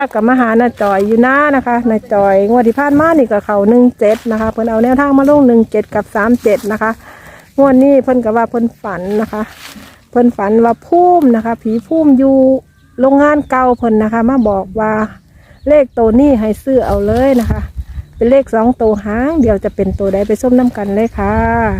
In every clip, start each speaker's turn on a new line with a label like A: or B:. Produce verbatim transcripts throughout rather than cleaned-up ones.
A: กับมาหาหน้าจอยอยู่หน้านะคะหน้าจอยงวดที่ผ่านมานี่กับเขาหนึ่งเจ็ดนะคะเพิ่นเอาแนวทางมาลงหนึ่งเจ็ดกับสามเจ็ดนะคะงวดนี้เพิ่นกับว่าเพิ่นฝันนะคะเพิ่นฝันว่าพุ่มนะคะผีพุ่มอยู่โรงงานเก่าเพิ่นนะคะมาบอกว่าเลขตัวนี้ให้ซื้อเอาเลยนะคะเป็นเลขสองตัวหางเดี๋ยวจะเป็นตัวใดไปส้มน้ำกันเลยค่ะ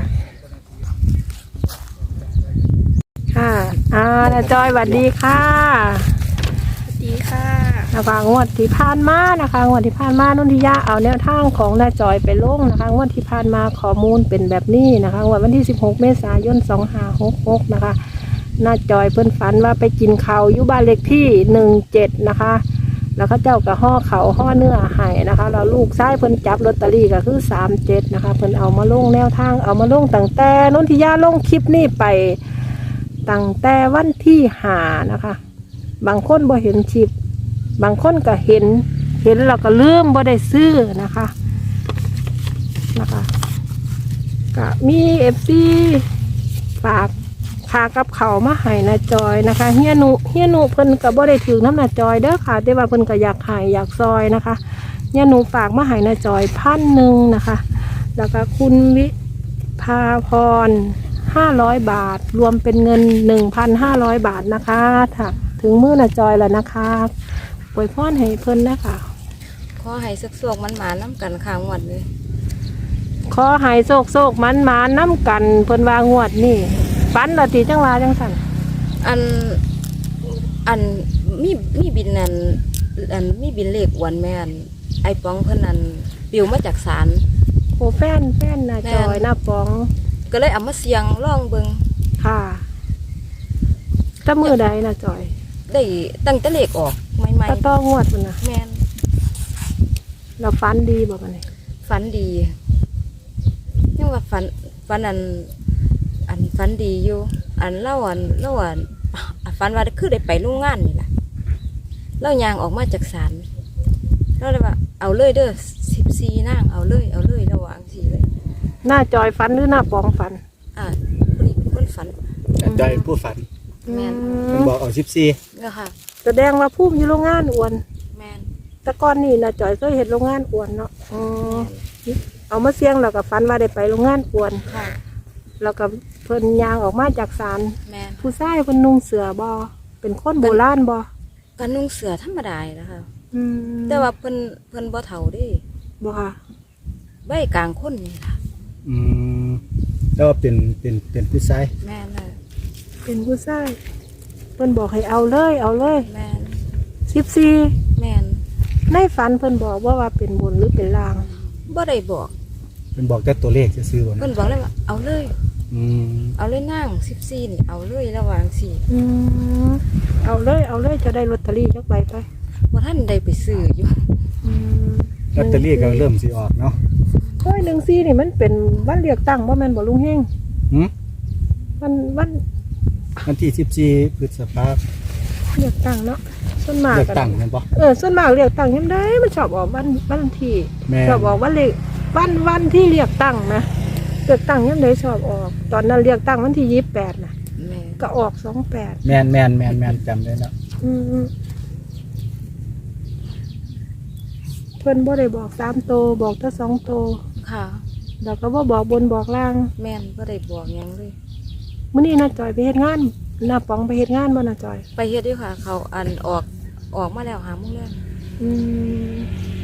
A: ค่ะอ่าหน้าจอยสวัสดีค่ะ
B: ดีค่ะ
A: นะคะงวดที่ผ่านมานะคะงวดที่ผ่านมานุ่นทิยาเอาแนวทางของหน้าจอยไปลงนะคะงวดที่ผ่านมาข้อมูลเป็นแบบนี้นะคะงวดวันที่สิบหกเมษายนสองห้าหกหกนะคะหน้าจอยเพิ่นฝันว่าไปกินข้าวอยู่บ้านเลขที่หนึ่งเจ็ดนะคะแล้วก็เจ้ากับห่อเขาห่อเนื้อไห้นะคะแล้วลูกชายเพิ่นจับลอตเตอรี่ก็คือสามเจ็ดนะคะเพิ่นเอามาลงแนวทางเอามาลงตั้งแต่นุ่นทิยาลงคลิปนี้ไปตั้งแต่วันที่ห้านะคะบางคนบ่เห็นคลิปบางคนก็เห็นเห็นเราก็ลืมบ่ได้ซื้อนะคะนะคะก็มีเอฟซีฝากพากับเขามาให้นาจอยนะคะเฮียหนุเฮียหนุเพิ่นก็บ่ได้ถือน้ำนาจอยเด้อค่ะแต่ว่าเพิ่นก็อยากให้อยากซอยนะคะเฮียหนุฝากมาให้นาจอยพันหนึ่งนะคะแล้วก็คุณวิภาพรห้าร้อยบาทรวมเป็นเงินหนึ่งพันห้าร้อยบาทนะคะถ้าถึงมื้อนาจอยแล้วนะคะปล่อยพ่อนให้เพิ่นนะคะ
B: ขอให้สักสวกมันหมาน้ำกันข้างวันเลย
A: ขอให้โศกโศกมันมาน้ำกันเพิ่นวางวดนี่ฟันเราตีจังหวะจังสัน
B: อันอันมีมีบินนันอันมีบินเลขวันแม่นไอปองเพิ่นนันปิวมาจากศาล
A: โอ้แฟนแฟนนาจอยหน้าปอง
B: ก็เลยเอามาเสียงล่องเบิง
A: ค่ะถ้ามือใดนาจอย
B: ได้ตั้งแต่เลขออกใหม่
A: ๆก็ต้องงวดมันนะ
B: แม่น
A: เราฟันดีบอกกันเลย
B: ฝันดีนี่ว่าฝันฝันอันอันฝันดีอยู่อันเล่าอันเล่าอันฝันว่าคือได้ไปโรงงานนี่แหละเล่ายางออกมาจากศาลเราเลยว่าเอาเลยเด้อสิบสี่นางเอาเลยเอาเลยระหว่างสี่เลย
A: หน้าจอยฟันหรือหน้าปองฟัน
B: อ่าคนนี้คนฝัน
C: จอยผู้ฝัน
B: แมน
C: มันบอกเอาสิบสี่
B: เนี่ยค่ะ
A: แสดงว่าพุ่มอยู่โรงงานอ้วน
B: แมน
A: แต่ก่อนนี่นาจอยเคยเห็นโรงงานอ้วนเนาะอ๋อเอามาเสี่ยงแล้วก็ฟันว่าได้ไปโรงงานอ้วน
B: ค่ะ
A: แล้วก็เพิ่นยางออกมาจากศาลผู้ชายเพิ่นนุ่งเสือบอเป็นคนโบราณบอ
B: กันนุ่งเสือธรรมดานะคะแต่ว่าเพิ่นเพิ่นบ่เฒ่าดิ
A: บ่ค่ะ
B: ใบกลางคนนี่ค่ะ
C: อืมแล้วเป็นเป็นเป็นผู้ชาย
B: แม่นน่ะ
A: เป็นผู้ชายเพิ่นบอกให้เอาเลยเอาเลย
B: แม่น
A: สิบสี่
B: แม่น
A: ในฝันเพิ่นบอกว่าว่าเป็นบนหรือเป็นล่าง
B: บ่ได้บอก
C: เพิ่นบอกแต่ตัวเลขจะซื้อบ่
B: เพิ่นบอกเลยว่าเอาเลย
C: อืม
B: เอาเลยนั่งสิบสี่นี่เอาเลยระหว่างสี่
A: อืมเอาเลยเอาเลยจะได้ลอตเตอรี่จักใบไป
B: ว่าท่านได้ไปซื้ออยู่
C: ลอตเตอรี่ก็เริ่มสิออกเนาะ
A: โอ้ยหนึ่งสี่นี่มันเป็นวันเลือกตั้งว่ามันบ่ลุงเฮง
C: หืม
A: วันวัน
C: วันที่สิบสี่พฤษภาคม
A: เลือกตั้งเนาะส่วนมาก
C: เลือกตั้งแม่นบ่
A: เออส่วนมากเลือกตั้งยังได้มันชอบออกวันวันที่ชอบออกวันเลขวันวันที่เลือกตั้งนะเลือกตั้งยังได้ชอบออกตอนนั้นเลือกตั้งวันที่ยี่สิบแปดนะก็ออกสองแปด
C: แม่นแม่นแม่นแม่นจำได้แล้ว
A: อืมเพิ่นบ่ได้บอกสามโตบอกแต่สองโต
B: ค่ะ
A: แล้วก็บ่บอกบนบอกล่าง
B: แม่นบ่ได้บอกยังเลย
A: มื้อนี้น้าจอยไปเฮ็ดงานหน้าป๋องไปเฮ็ดงานบ่น้าจอย
B: ไปเฮ็ดด้วยค่ะเขาอันออกออกมาแล้วหาโมงแล้ว
A: อืม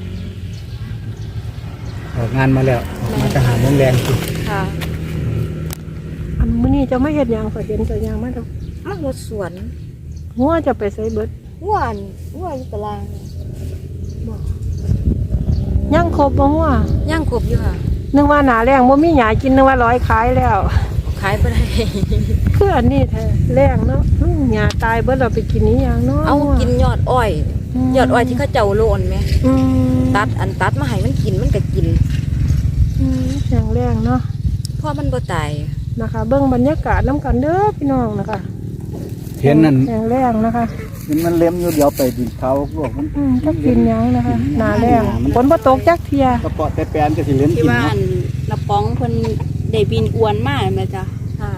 C: ออกงานมาแล้วออกมาจะหาโมงแรงสิ
B: ค่ะ
A: อันมื้อนี้จะไม่เฮ็ดหยังก็เห็นแต่ยางมาดอก
B: มารถสวน
A: หัวจะไปใส่เบิด
B: หัวอันหัวอยู่ตาราง
A: บ่ยังครบบ่หัว
B: ยังครบอยู่ค่ะ
A: นึกว่าหน้าแรงบ่มีหยังกินนึกว่าร้อยขายแล้ว
B: ขายบ่ได้
A: คืออันนี้แท้แรงเนาะหญ้าตายเบิดเราไปกินนี้หยังเนาะ
B: เอากินยอดอ้อยยอดอ้อยที่เขาเจ้าโลนไหมตัดอันตัดมาให้มันกินมันก็กิน
A: อย่างแรงเนาะ
B: เพราะมันบ่ตาย
A: นะคะเบื้องบรรยากาศน้ำกันเด้อพี่น้องนะคะ
C: เห็นนั่น
A: อย่างแรงนะคะ
C: เห็นมันเล็มอยู่เดี๋ยวไปดินเขาพวกมัน
A: ก็กินยังนะคะหนาแรงฝนบ่ตกจักเทีย
C: กระเปาะแต่แปลนก็สิเล่นกิน
D: ที่บ้านน้าป๋องเพิ่นได้บินอวนมาแม่จ้ะ
B: ค่ะ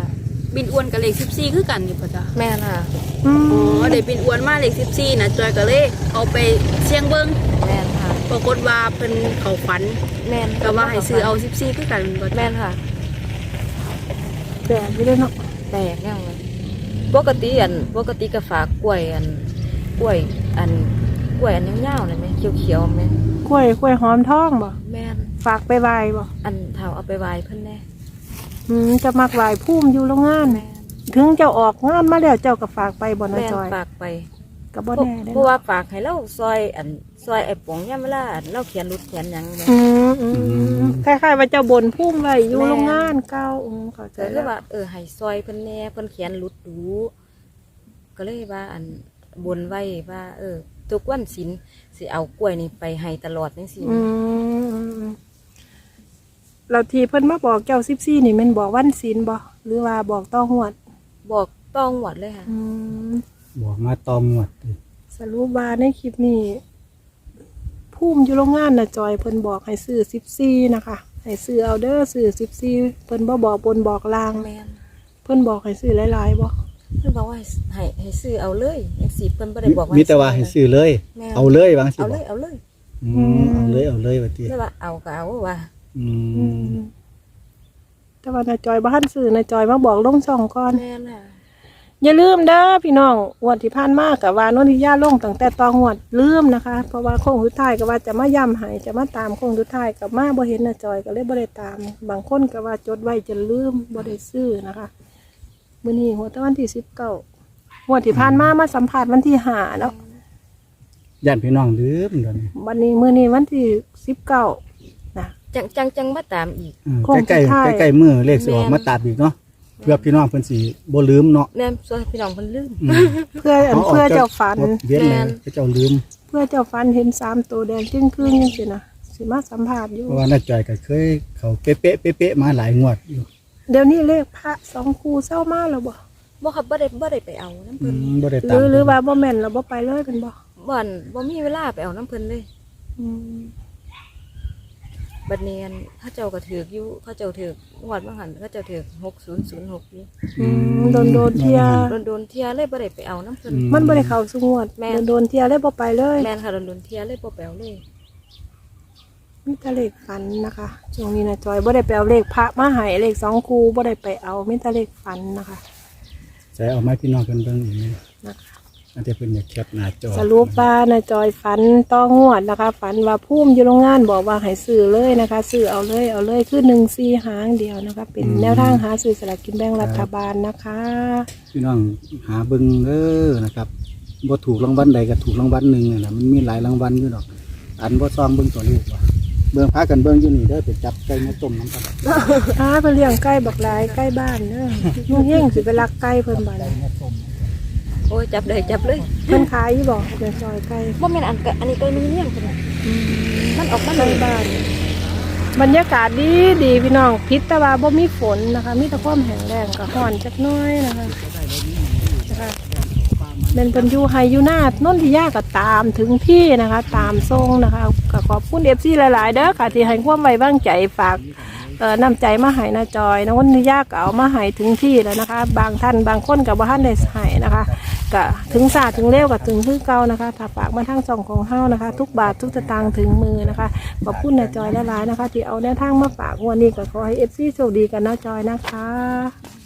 D: บินอ้วนกับเลขสิบสี่คือกันนี่ป่ะจ๊ะ
B: แม่นค่ะ
A: อื
D: อ๋อ
A: ม
D: ได้บินอ้วนมาเลขสิบสี่นะจอยก็เลยเอาไปเสี่ยงเบิ่ง
B: แม่นค่ะ
D: ปรากฏว่าเพิ่นเขาฝัน
B: แม่น
D: ก็ว่าให้ซื้อเอาสิบสี่คือกันบ่จ๊ะ
B: แม่นค่ะ
A: แปลกอยู่เด้อเนาะ
B: แตกแน่เลยปกติอันปกติก็ฝากกล้วยอันกล้วยอันกล้วยอันยาวๆนั่นไหมเขียวๆไหม
A: กล้วยกล้วยหอมทองบ่
B: แม่น
A: ฝากไปไหว้บ่
B: อันเท่าเอาไปไหว้เพิ่นแน่
A: อืมจะมักไหว้ภูมิอยู่โรงงาน
B: แม่น
A: ถึงเจ้าออกงานมาแล้วเจ้าก็ฝากไปบ่นะ
B: แม่น
A: จอย
B: ฝากไป
A: ก็บ่
B: เพราะ
A: แน่เด้อ
B: เพราะ
A: เนาะ
B: ว่าฝากให้เราซอยอันซอยไอ้ป๋องยามเวลาอันเราเขียนรุดเขียนหยังแม่
A: อืมอืม
C: อื
A: อื
C: ม
A: มคล้ายๆว่าเจ้าบนพุ่มไว้อยู่
B: แม่
A: โรงงานเก่าอืมเข้าใจ
B: ก็เล
A: แล้
B: ยว ว่าเออให้ซอยเพิ่นแน่เพิ่นเขียนรุดดูก็เลยว่าอันบนไว้ว่า เออ ทุกวันศีลสิเอากล้วยนี่ไปให้ตลอดจังซี่
A: อืมอืมอืมเราทีเพิ่นมาบอกเจ้าสิบสี่นี่แมันบอกวันศีลบ่หรือว่าบอกต้องหวด
B: บอกต้องหวดเลยค่ะ
A: อืม
C: บอกมาตอมหมดเลย
A: สรุปว่าในคลิปนี้พุ่มอยู่โรงงานนะจอยเพิ่นบอกให้ซื้อสิบสี่นะคะให้ซื้อเอาเด้อซื้อสิบสี่เพิ่นบ่บอกบนบอกลาง
B: แม่น
A: เพิ่นบอกให้ซื้อหลายๆบ่
B: เพิ่นบอกว่าให้ให้ให้ซื้อเอาเลยจังซี่เพิ่นบ่ได้บอกว่า
C: มีแต่ว่าให้ซื้อเลย
B: แม่น
C: เอาเลยวางสิ
B: เอา
C: บ
B: เล
C: อก
B: ยเอาเลย
C: อืมเอาเลยเอาเลยว่าติ
B: เลยว่าเอาก็เอาว่า
C: อื
A: อื
C: ม
A: มแต่ว่านาจอยบ่ทันซื้อนาจอยมาบอกลงช่องก่อน
B: แม่นค่ะ
A: อย่าลืมเด้อพี่น้องงวดที่ผ่านมากับว่านนทิยาลงตั้งแต่ตองวดลืมนะคะ เพราะว่าโค้งสุดท้ายก็ว่าจะมาย้ำให้จะมาตามโค้งสุดท้ายกับมาบ่เห็นนาจอยก็เลยบ่ได้ตาม บางคนก็ว่าจดไว้จะลืมบ่ได้ซื้อนะคะมื้อนี้หัวตะวันที่สิบเก้างวดที่ผ่านมามาสัมภาษณ์วันที่ห้าแล้ว
C: ญาติพี่น้องลืมเดี๋ยวนี้
A: วันนี้มื้อนี้วันที่สิบเก้านะ
B: จังจังจังมาตามอีก
C: อืม
A: โค้ง
C: ใกล้
A: สุดท้าย
C: ๆใกล้ๆมือเลขสิออก
B: แม่น
C: มาตัดอีกเนาะเพื่อพี่น้องเพิ่นสิบ่ลืมเนาะ
B: แม่นส่วนพี่น้องเพิ่นลืม
C: อืม
A: เพื่ออันเพื่อเจ้าฝัน
C: เวียน
B: แม่
C: เลย
B: น
C: เจ้าลืม
A: เพื่อเจ้าฝันเห็นสามตัวแดงจึ้งครึ่งจังซี่นะสิมาสัมภาษณ์อยู่
C: เพราะว่าน้าจอยก็เคยเขาเป๊ะๆเป๊ะๆมาหลายงวดอยู่
A: เดี๋ยวนี้เลขพระสองคู่เศร้ามาแล้วบ่
B: บ่ครับบ่ได้บ่ได้ไปเอาน้ำ
C: อื
B: เพิ่น
C: มบ่ได้
A: ห
C: ตา
A: รื
C: ม
A: อหรือว่าบ่แม่นเราบ่ไปเลยเป็นบ่
B: บ่อนบ่มีเวลาไปเอาน้ำเพิ่นเลย
A: อืม
B: บัดนี้อันเขาเจ้าก็ถือกอยู่เขาเจ้าถือกงวดบางหันเขาเจ้าถือกหกศูนย์ศูนย์หกอยู่
A: อืมโดนโดนเทีย
B: โดนโดนๆเที่ยเลยบ่ได้ไปเอาน้ำเพิ่น
A: มันบ่ได้เข้าสงวด
B: แม่
A: โดนโดนเทียเลยบ่ไปเลย
B: แม่นค่ะโดนโดนๆเที่ยเลยบ่ไปเอาเลย
A: มีแต่เลขฝันนะคะช่วงนี้นะจอยบ่ได้ไปเอาเลขพระมาให้เลขสองคู่บ่ได้ไปเอามีแต่เลขฝันนะคะ
C: ใส่เอาไม้พี่น้องเพิ่นเบิ่งอีกนี่
A: นะคะ
C: อันที่เพิ่นอยากแคปหน้าจอ
A: สรุปว่านะจอยฝันต้องงวดนะคะ ฝันว่าพุ่มอยู่โรงงานบอกว่าให้ซื้อเลยนะคะซื้อเอาเลยเอาเลยคือหนึ่งสี่หางเดียวนะคะ เป็นแนวทางหาซื้อสลากกินแบ่งรัฐบาลนะคะ
C: พี่น้องหาเบิ่งเด้อนะครับบ่ถูกรางวัลใดก็ถูกรางวัลหนึงนั่นน่ะมันมีหลายรางวัลอยู่ดอก อันบ่ซองเบิ่งตัวเลขว่าเบิ่งพากันเบิ่งอยู่นี่เด้อไปจับไก่มาต้มน้ำกัน
A: ถ้าไปเลี้ยงไก่บักหลายใกล้บ้านเนอะนุ่งเฮงสิไปลักไก่เพิ่นบ้าน
B: โอ้ยจับเลยจับเลย
A: เพิ่นขายอยู่บ่เดี๋ยวซอยไก่
B: บ่แม่นอันกะอันนี้ก็มีเลี้ยงเพิ่นน่ะมันออกมา
A: ใก
B: เล
A: ล้
B: ย
A: บ้าน บรรยากาศดีดีพี่น้องพิษแต่ว่าบ่มีฝนนะคะ มีแต่ความแห้งแล้งกับร้อนจักหน้อยนะคะนะคะเป็นเพิ่นอยู่ไฮอยู่หน้านนทิยาก็ตามถึงที่นะคะ ตามทรงนะคะก็ขอบคุณ เอฟ ซี หลายๆเด้อค่ะที่ให้ความไว้วางใจฝากเอ่อนำใจมาให้นาจอยนนทิยาก็เอามาให้ถึงที่แล้วนะคะ บางท่านบางคนก็บ่ทันได้ให้นะคะก็ถึงศาสตร์ถึงเร็วก็ถึงคือเก่านะคะถ้าฝากมาทางช่องของเฮานะคะ ทุกบาททุกสตางค์ถึงมือนะคะขอบคุณนาจอยหลายๆนะคะ ที่เอาแนวทางมาฝากวันนี้ก็ขอให้ เอฟ ซี โชคดีกันนะจอยนะคะ